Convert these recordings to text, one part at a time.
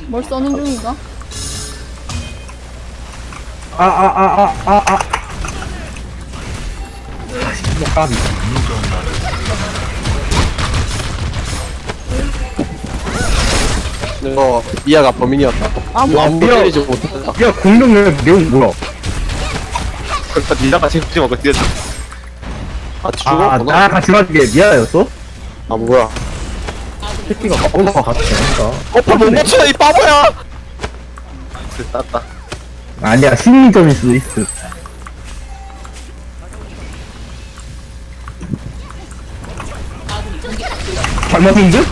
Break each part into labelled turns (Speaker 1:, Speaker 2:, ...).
Speaker 1: 뭘 써는 중인가?
Speaker 2: 까비.
Speaker 3: 미아가 범인이었다. 아무도
Speaker 2: 미아.
Speaker 3: 때리지 못했다.
Speaker 2: 야, 공룡의 내용 뭐야?
Speaker 3: 그러니까 니나가 책임지 먹고 뛰었지. 죽었구나.
Speaker 2: 나 같이 맞은 게 미아였어?
Speaker 3: 뭐야.
Speaker 2: 새끼가 올라가 같이 되니까.
Speaker 3: 못 맞춰, 이 바보야! 땄다.
Speaker 2: 아니야, 심리점일 수도 있어. 잘 맞은 듯?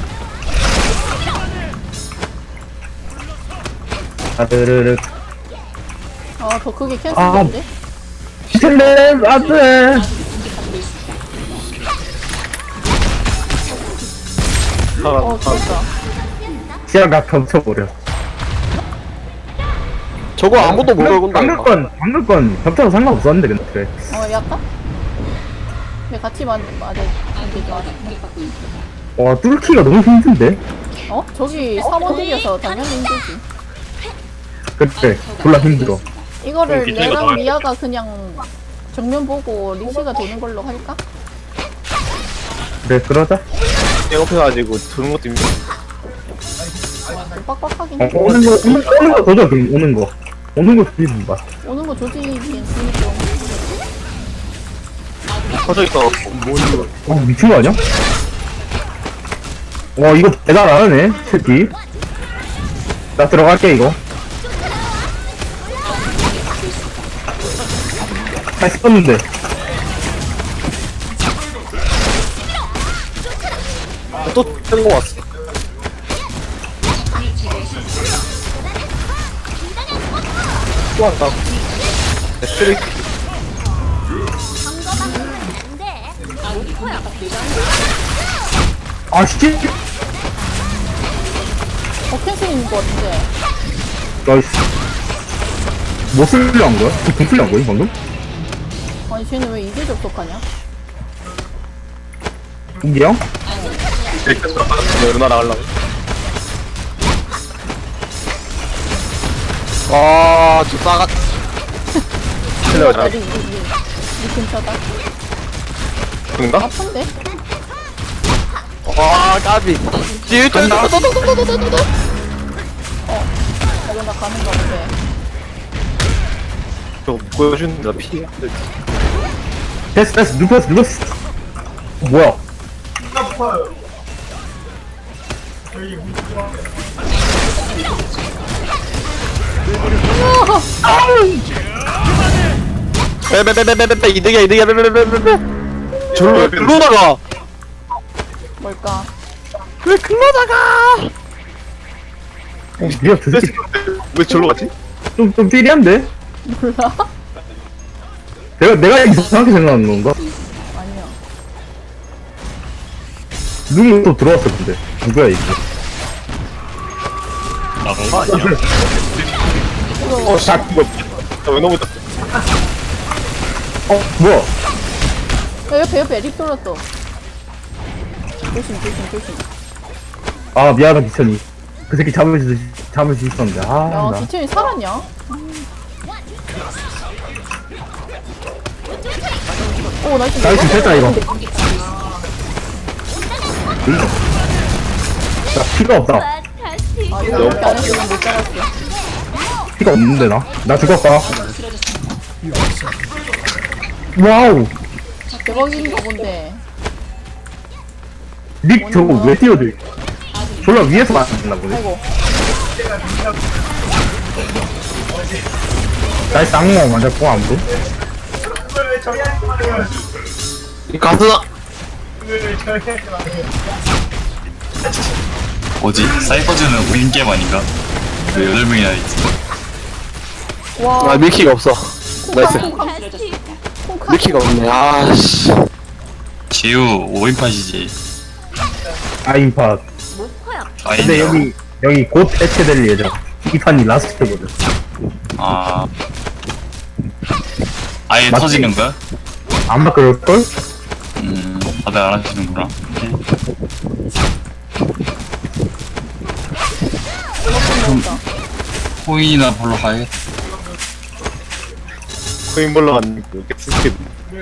Speaker 2: 아르르르.
Speaker 1: 더 크게 캔슬인데?
Speaker 2: 스텔렘, 안 돼!
Speaker 1: 죽었다.
Speaker 2: 시야가 겹쳐버려.
Speaker 3: 저거 아무도 못 걸고
Speaker 2: 방금 건 겹쳐도 상관없었는데, 근데. 그래.
Speaker 1: 약간? 근데 같이 맞아.
Speaker 2: 와, 뚫기가 너무 힘든데?
Speaker 1: 저기 3원딜이어서 당연히 힘들지.
Speaker 2: 그래, 졸라 힘들어.
Speaker 1: 이거를 내랑 미아가 그냥 정면 보고 리시가 도는 걸로 할까?
Speaker 2: 그래, 그러자.
Speaker 3: 배고파가지고 도는 것도 힘들어.
Speaker 1: 빡빡하긴 해.
Speaker 2: 오는 거 도저, 그럼, 오는 거. 오는 거 주의좀 봐.
Speaker 1: 오는 거 조지긴 좀.
Speaker 3: 퍼져있어.
Speaker 2: 미친 거 아니야? 와, 이거 배달 안 하네, 새끼. 나 들어갈게, 이거. 잘 씹었는데.
Speaker 3: 또 뜬거 왔어. 또 왔다. 쓰레기.
Speaker 2: 아, 씨.
Speaker 1: 캔슬인 거 같은데.
Speaker 2: 나이스. 뭐 쓰려 한 거야? 돈 쓰려 한 거야, 방금?
Speaker 1: 아니 쟤는 왜 이제 접속하냐?
Speaker 2: 인기형?
Speaker 3: 누나 나가려고. 저 싸가. 틀려, 잘.
Speaker 1: 니 근처다.
Speaker 3: 그런가?
Speaker 1: 아픈데?
Speaker 3: 까비. 뒤에 뜬다.
Speaker 1: 이거 나 가는가 본데.
Speaker 3: 저거 보여주는데, 나 피해.
Speaker 2: 됐어, 눕혔어. 뭐야?
Speaker 3: 빼빼빼빼빼빼 이득이야 빼빼빼빼빼. 글로 나가.
Speaker 1: 뭘까?
Speaker 3: 왜 글로 나가?
Speaker 2: 미야, 저 새끼
Speaker 3: 왜 절로 갔지?
Speaker 2: 좀 삐리한데?
Speaker 1: 몰라?
Speaker 2: 내가 이상하게 생각하는 건가?
Speaker 1: 아니야.
Speaker 2: 누구 또 들어왔어, 근데. 누구야, 이거?
Speaker 3: 샷. 왜 너무 떴어?
Speaker 2: 뭐야?
Speaker 1: 옆에 립 돌았어. 조심.
Speaker 2: 아, 미안하다, 기천이. 그 새끼 잡을 수 있었는데.
Speaker 1: 야,
Speaker 2: 나.
Speaker 1: 기천이 살았냐? 오, 나이스.
Speaker 2: 나이스, 됐다, 이거. 나 피가 없다.
Speaker 1: 아, 이거 이렇게 안 했으면 못 잡았어.
Speaker 2: 피가 없는데, 나? 나 죽었다. 와우!
Speaker 1: 대박인가 본데.
Speaker 2: 닉 저거 왜 뛰어들? 졸라 위에서 맞았나 보네.
Speaker 1: 아이고.
Speaker 2: 나이스 악몽 맞았고, 아무도.
Speaker 3: 이 가스다.
Speaker 4: 뭐지? 사이퍼즈는 5인 게임 아닌가? 왜 8명이나 있지?
Speaker 1: 와.
Speaker 3: 밀키가 없어. 나이스.
Speaker 1: 콩카.
Speaker 3: 밀키가 없네. 아씨.
Speaker 4: 지우 5인팟이지.
Speaker 2: 아임팟. 근데 여기 곧 해체될 예정. 이 판이 라스트거든.
Speaker 4: 아예
Speaker 2: 맞지?
Speaker 4: 터지는 거야?
Speaker 2: 안 바꿀걸?
Speaker 4: 다들 안 하시는구나.
Speaker 1: 싸웠다.
Speaker 4: 코인이나 보러 가야겠다.
Speaker 3: 코인볼러 갔는데 이렇게 스킵.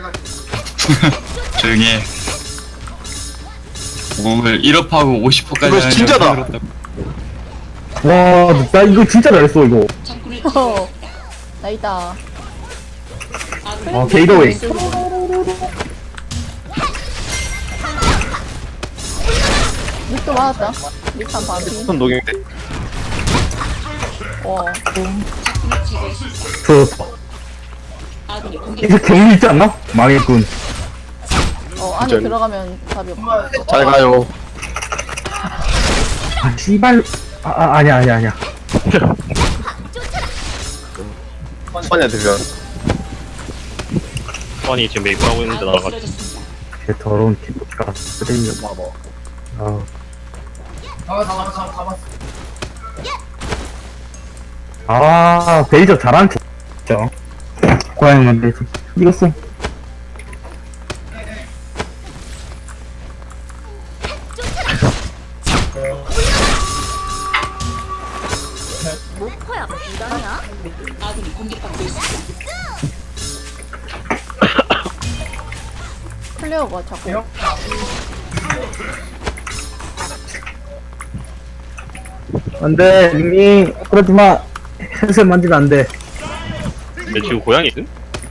Speaker 4: 조용히 해. 오늘 1업하고 50%까지
Speaker 3: 이거 진짜다.
Speaker 2: 와, 나 이거 진짜 잘했어, 이거.
Speaker 1: 어, 나 있다.
Speaker 2: 게이더웨이.
Speaker 1: 립도 맞았다. 립한 반피.
Speaker 3: 손 녹용돼.
Speaker 1: 와,
Speaker 2: 좋았어. 이제 경리 있지 않나? 망했군.
Speaker 1: 안에
Speaker 3: 진짜.
Speaker 1: 들어가면 답이 없어.
Speaker 3: 잘 가요.
Speaker 2: 아, 씨발. 아니야.
Speaker 3: 선이한테 면.
Speaker 5: 선이 지금 메이플 하고 있는데 나가지고
Speaker 2: 개 더러운 개가 쓰레기가 봐봐. 베이저 잘하는 척. 진짜. 고양이만 베이저. 이겼어.
Speaker 1: 클레어가 자꾸.
Speaker 2: 안 돼, 링링. 그러지 마. 햇살 만지면 안 돼.
Speaker 5: 근데 지금 고양이 있음?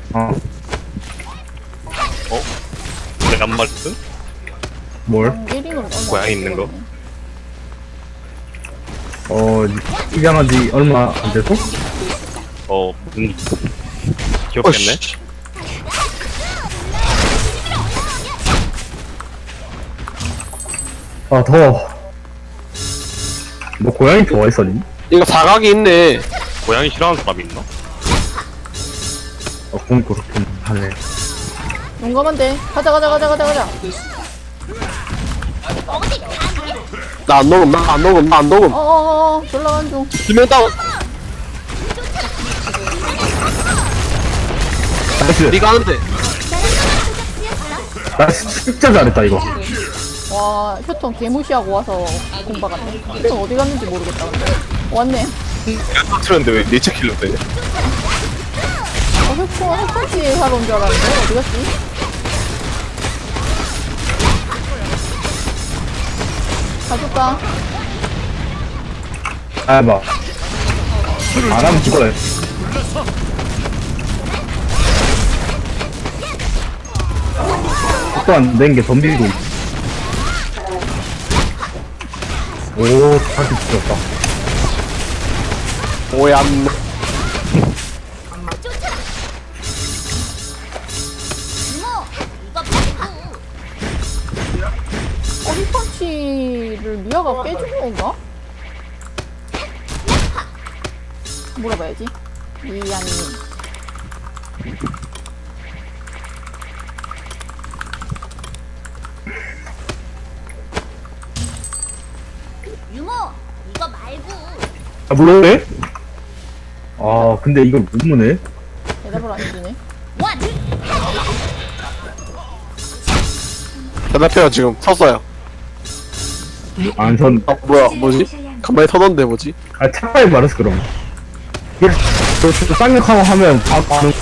Speaker 5: 내가 안 말했음?
Speaker 2: 뭘?
Speaker 1: 1인으로
Speaker 5: 고양이 있는 거?
Speaker 2: 입양한 지 얼마 안 돼서?
Speaker 5: 귀엽겠네?
Speaker 3: 씨.
Speaker 2: 더워. 너 고양이 좋아했어, 니?
Speaker 3: 이거 사각이 있네.
Speaker 5: 고양이 싫어하는 사람이 있나?
Speaker 2: 그건 그렇긴 하네.
Speaker 1: 용감한데. 가자.
Speaker 3: 나 안 녹음.
Speaker 1: 졸라간 중.
Speaker 3: 두명 다운.
Speaker 2: 나이스.
Speaker 3: 니가 하는데.
Speaker 2: 나 진짜 잘했다, 이거.
Speaker 1: 와, 휴통 개무시하고 와서 공박았네. 휴통 어디 갔는지 모르겠다, 근데. 왔네.
Speaker 3: 틀었는데 왜 네이처 킬러 돼?
Speaker 1: 휴통 햇살치 사러 온 줄 알았는데. 어디 갔지? 가줄까?
Speaker 2: 봐. 안 하면 죽어요. 속도 안 된 게 덤비고 있어. 오, 다시 죽였다.
Speaker 3: 오얀.
Speaker 1: 힙펀치를 미아가 깨준 건가? 물어봐야지. 미안이.
Speaker 6: 유모, 이거 말고.
Speaker 2: 물어내? 근데 이걸 못 무네?
Speaker 1: 대답을 안 해주네.
Speaker 6: 원,
Speaker 3: 대답해요 지금 섰어요.
Speaker 2: 전,
Speaker 3: 뭐지? 간만에 터던데 뭐지?
Speaker 2: 차라리 말했어, 그럼. 이게, 저 쌍욕하고 하면 다 가는,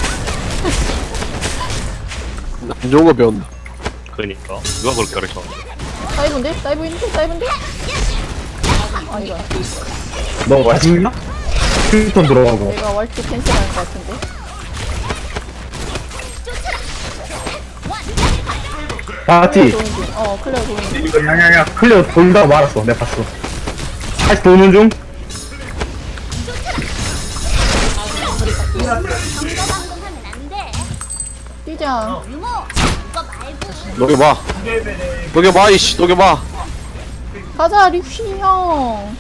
Speaker 3: 안 좋은 거 배웠나?
Speaker 5: 그러니까 누가 그렇게 가르쳤는데
Speaker 1: 사이브인데? 사이브인데? 아니다.
Speaker 2: 너 와식나? 휴ton 들어가고.
Speaker 1: 내가 월트 캔슬할 것 같은데.
Speaker 2: 봤지?
Speaker 1: 도는 중. 클레어 도는 중.
Speaker 2: 이거 야야야 클리어 돌다가 말았어. 내가 봤어. 다시 도는 중.
Speaker 6: 방금 하면 안 돼.
Speaker 1: 뛰자.
Speaker 6: 유모, 이거 말고.
Speaker 3: 녹여봐 이씨 녹여봐.
Speaker 1: 가자, 리쉬 형.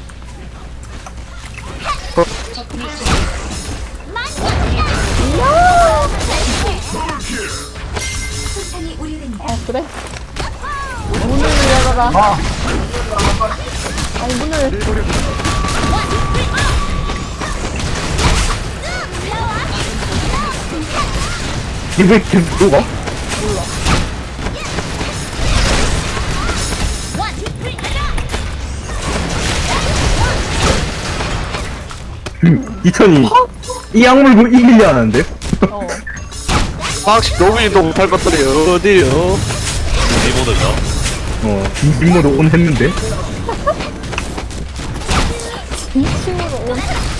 Speaker 1: 그래. 문을 열어라. 아니, 문을.
Speaker 2: 이게 계속 누가? 이천이 이 악물 이기려 하는데?
Speaker 1: 어.
Speaker 3: 방식 로빈도 못할 것들이 어디요?
Speaker 5: 리모드가.
Speaker 2: 뒷모드 온 했는데?
Speaker 1: 이 친구로 온.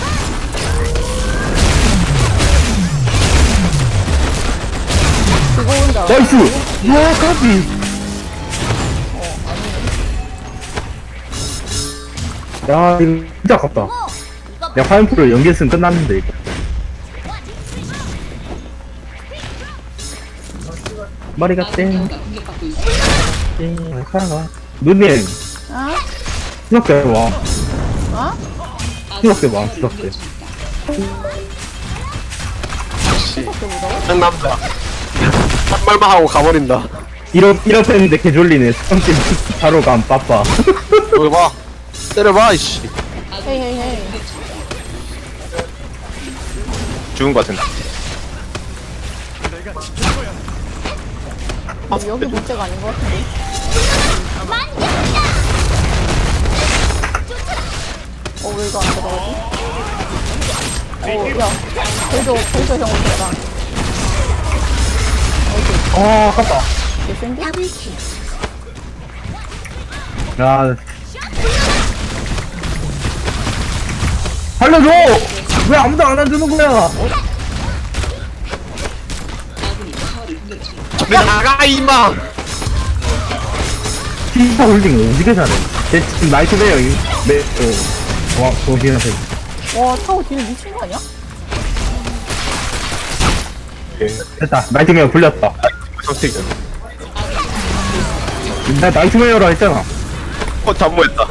Speaker 1: 그거 온다.
Speaker 2: 나이스! 야, 까비! 야, 이거 진짜 아깝다.
Speaker 6: 유모, 이거
Speaker 2: 내가 화염프로 연계했으면 끝났는데, 이거. 머리가 땡. 땡, 살아가. 누님,
Speaker 1: 어?
Speaker 2: 수학대 와.
Speaker 1: 어?
Speaker 2: 수학대 와, 수학대.
Speaker 1: 그렇게 무서워?
Speaker 3: 한 남자. 한 말만 하고 가버린다.
Speaker 2: 이렇게 했는데 개졸리네. 수학대 바로 감, 빠빠.
Speaker 3: 여기 봐. 때려봐, 이씨.
Speaker 1: 헤이 헤이 헤이.
Speaker 3: 죽은 것 같은데.
Speaker 1: 여기 문제가 아닌 것 같은데. 왜 이거 안 들어가지? 야, 별도 형 온다.
Speaker 2: 아깝다.
Speaker 1: 개센데?
Speaker 2: 야. 살려줘! 왜 아무도 안 해주는 거야?
Speaker 3: 저리 나가, 임마!
Speaker 2: 피파 홀딩 오지게 잘해. 쟤 지금 나이트베어, 도비한테.
Speaker 1: 와, 타워 뒤에 미친 거 아니야?
Speaker 2: 됐다. 나이트메어 굴렸다.
Speaker 3: 선택은.
Speaker 2: 나 나이트메어라 했잖아.
Speaker 3: 잠모했다.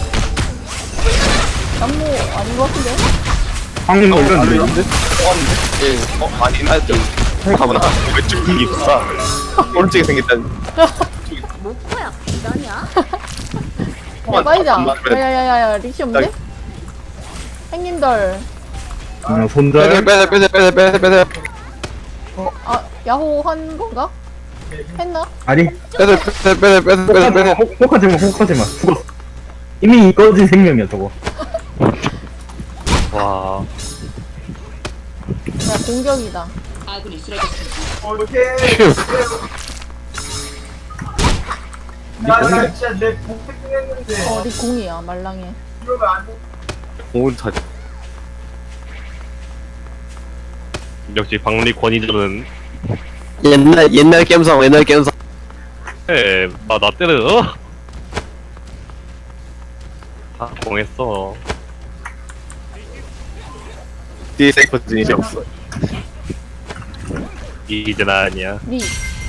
Speaker 1: 남모 아닌 것 같은데?
Speaker 2: 방금 걸렸는데?
Speaker 3: 예. 아니, 나 좀. 가보나. 왼쪽 이게 있어. 오른쪽에 생겼다니.
Speaker 6: 목표야 이러냐?
Speaker 1: 빠이자. 야야야야, 리시 없는데? 형님들.
Speaker 2: 손절.
Speaker 3: 빼세.
Speaker 1: 아, 야호 한 건가? 했나?
Speaker 2: 아니,
Speaker 3: 빼세.
Speaker 2: 혹하지마. 죽었어. 이미 꺼진 생명이야, 저거.
Speaker 5: 와.
Speaker 1: 야, 공격이다. 네 공이야, 말랑해.
Speaker 3: 공은 다.
Speaker 5: 역시 박리 권위자는
Speaker 3: 옛날 겜성.
Speaker 5: 나 때려. 다 공했어.
Speaker 3: 뒤에 세이퍼진이 이제 없어.
Speaker 5: 이제 나 아니야.
Speaker 1: 리.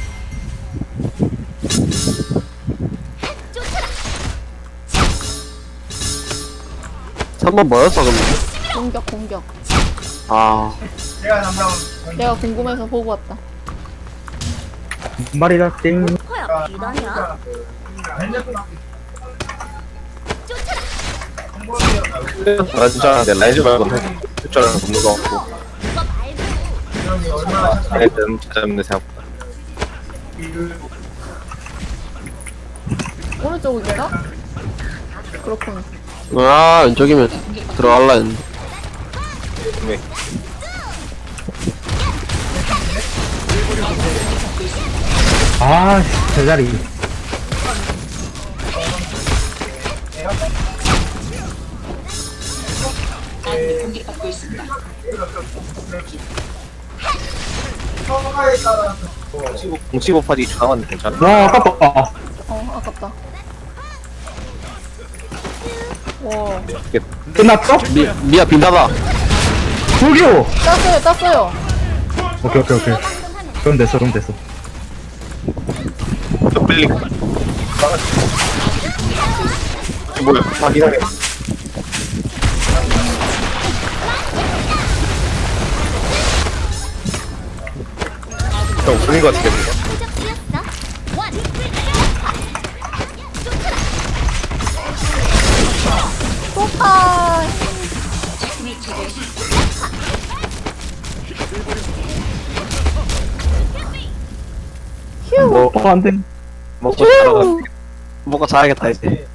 Speaker 3: 3번 뭐였어, 근데?
Speaker 1: 공격.
Speaker 3: 아.
Speaker 1: 내가 궁금해서 보고 왔다.
Speaker 2: 말이다, 땡.
Speaker 6: 목표야 이러냐?
Speaker 3: 나 진짜 내 라이즈 말고 숫자를 없는 거 같고.
Speaker 6: 이거 말고
Speaker 3: 하여튼 찾아뵙는 생각보다.
Speaker 1: 오른쪽이구나? 그렇군.
Speaker 3: 아, 왼쪽이면 들어갈라 했는데. 네.
Speaker 2: 아, 제자리.
Speaker 3: 공치고 파지 좋아하는데 괜찮아?
Speaker 2: 와, 아깝다.
Speaker 1: 아깝다. 와,
Speaker 2: 끝났어?
Speaker 3: 미야 빈다다.
Speaker 2: 저기요!
Speaker 1: 땄어요.
Speaker 2: 오케이. 그럼 됐어.
Speaker 3: 빨리. 뭐야? 확인하게. 형 보인 것 같은데.
Speaker 6: 시작되었어. 원.
Speaker 1: 소파. 휴.
Speaker 2: 안 돼.
Speaker 3: 먹고 자야겠다 이제.